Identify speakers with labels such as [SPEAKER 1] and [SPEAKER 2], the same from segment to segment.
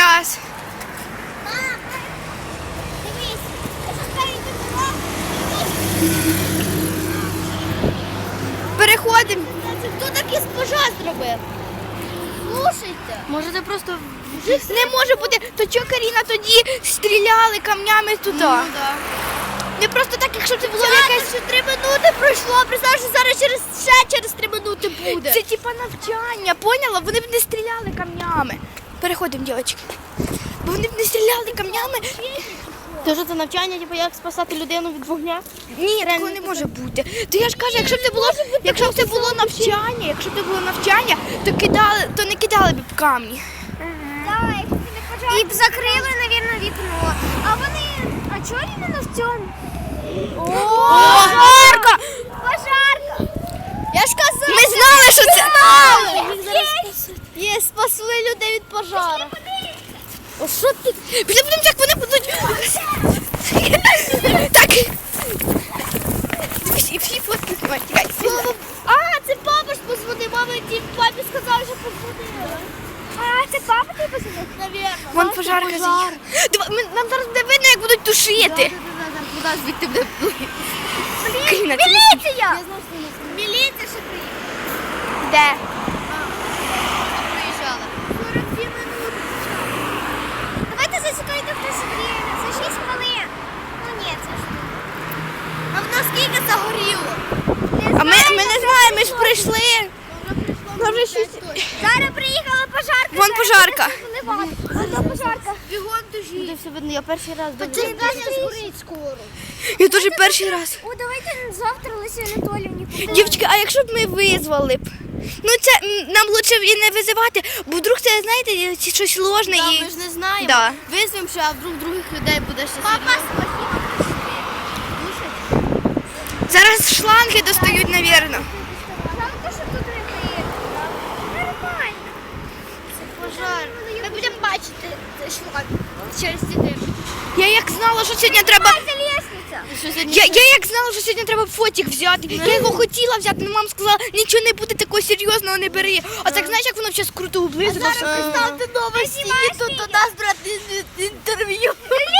[SPEAKER 1] час.
[SPEAKER 2] Дивись,
[SPEAKER 1] Переходимо.
[SPEAKER 2] хто такий пожар зробив? Слушайте.
[SPEAKER 3] Може це просто...
[SPEAKER 1] Не може бути. То чого Каріна тоді стріляли камнями туди? Не просто так, якщо це було якесь...
[SPEAKER 2] Ще 3 минути пройшло, представ, що зараз через 3 минути буде.
[SPEAKER 1] Це типа навчання, поняла? Вони б не стріляли камнями. Переходимо, дівчатки. Бо вони б не стріляли камнями.
[SPEAKER 3] Це ж це навчання, типу, як спасати людину від вогня?
[SPEAKER 1] Ні, такого не може бути. То я ж кажу, якщо б це було навчання, то не кидали б камні.
[SPEAKER 2] Давай, і б закрили, мабуть, вікно. А вони, а чого іменно в цьому?
[SPEAKER 1] Пожарка!
[SPEAKER 2] Пожарка! Я ж казала!
[SPEAKER 1] Ми знали, що це...
[SPEAKER 2] Є, спасли людей від пожару.
[SPEAKER 1] О, що ти? Пішли будемо, як вони будуть... Так. Дивись, і всі фотки знімають. Тікай.
[SPEAKER 2] А, це папа ж позвонив. Мама ті папі сказали, що позвонили. А, це папа тобі позвонив? Навірно.
[SPEAKER 1] Вон пожарка заїхала. Нам зараз буде видно, як будуть тушити.
[SPEAKER 3] Вода звідти буде.
[SPEAKER 1] Каріна, це...
[SPEAKER 2] Міліція! Міліція ще приїхала.
[SPEAKER 1] Де?
[SPEAKER 2] Приїжджала. 42 минути. Давайте засікайте в нас время. За 6 хвилин. Ну ні, це ж. А в нас скільки загоріло?
[SPEAKER 1] А ми не знаємо, ми ж прийшли.
[SPEAKER 2] Вже щось. Зараз приїхала пожарка.
[SPEAKER 1] Вон пожарка.
[SPEAKER 2] Вон пожарка. Бігом дожі.
[SPEAKER 3] Буде все видно, я перший раз
[SPEAKER 2] Це згорить скоро.
[SPEAKER 1] Я теж перший раз.
[SPEAKER 2] О, давайте завтра Лесі Анатоліївні купимо.
[SPEAKER 1] Дівчатки, а якщо б ми визвали б? Ну це нам лучше і не визивати, бо вдруг це, знаєте, щось ложне
[SPEAKER 3] Да,
[SPEAKER 1] і...
[SPEAKER 3] ми ж не знаємо.
[SPEAKER 1] Да.
[SPEAKER 3] Визвемо, що а вдруг других людей буде ще
[SPEAKER 2] Папа,
[SPEAKER 3] серйозно.
[SPEAKER 1] Зараз шланги достають, навірно.
[SPEAKER 2] Жалко, що тут не приїхали. Нормально. Це пожар. Ми будемо бачити шлак через ці дими.
[SPEAKER 1] Я як знала, що сьогодні треба...
[SPEAKER 2] Це лестниця.
[SPEAKER 3] Що сьогодні
[SPEAKER 1] Я як знала, що сьогодні треба фотик взяти. Я його хотіла взяти, але мама сказала, нічого не буде такого серйозного, не бери. А так знаєш, як воно зараз круто облизано. все.
[SPEAKER 2] Представте новості, тут у нас брати інтерв'ю.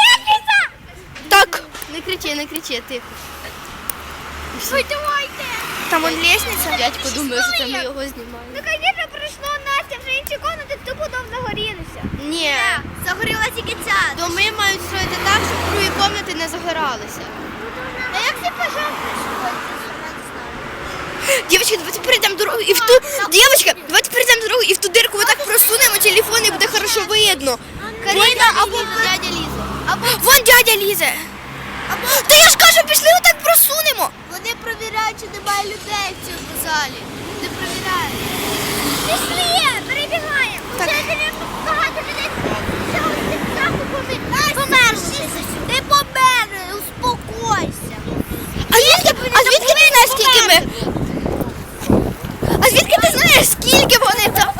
[SPEAKER 1] Так,
[SPEAKER 3] Не кричи, не кричи, тихо.
[SPEAKER 2] Ви давайте.
[SPEAKER 1] там вон лестниця.
[SPEAKER 3] Дядько думає, що це ми його знімаємо.
[SPEAKER 2] Ну, звісно, прийшло Настя, вже інші комнати тупо дом загорілися.
[SPEAKER 3] Ні,
[SPEAKER 2] Загоріла тільки ця.
[SPEAKER 3] доми мають строїти так, щоб другі кімнати не загоралися.
[SPEAKER 2] А як це пожар прийшов?
[SPEAKER 1] Дівчатки, давайте перейдемо дорогу і в ту... Дівчатка, давайте перейдемо дорогу і в ту дирку ми так просунемо телефон і буде хорошо видно.
[SPEAKER 3] Каріна або дядя Ліза.
[SPEAKER 1] Вон дядя лізе. Та я ж кажу, пішли отак просунемо.
[SPEAKER 2] Вони перевіряють, чи немає людей в цьому залі. Не перевіряють. Пішли, перебігаємо.
[SPEAKER 1] Так.
[SPEAKER 2] Вже багато людей. Померли. Ти померли, успокойся.
[SPEAKER 1] А звідки ти знаєш, скільки ми? А звідки ти знаєш, скільки вони там?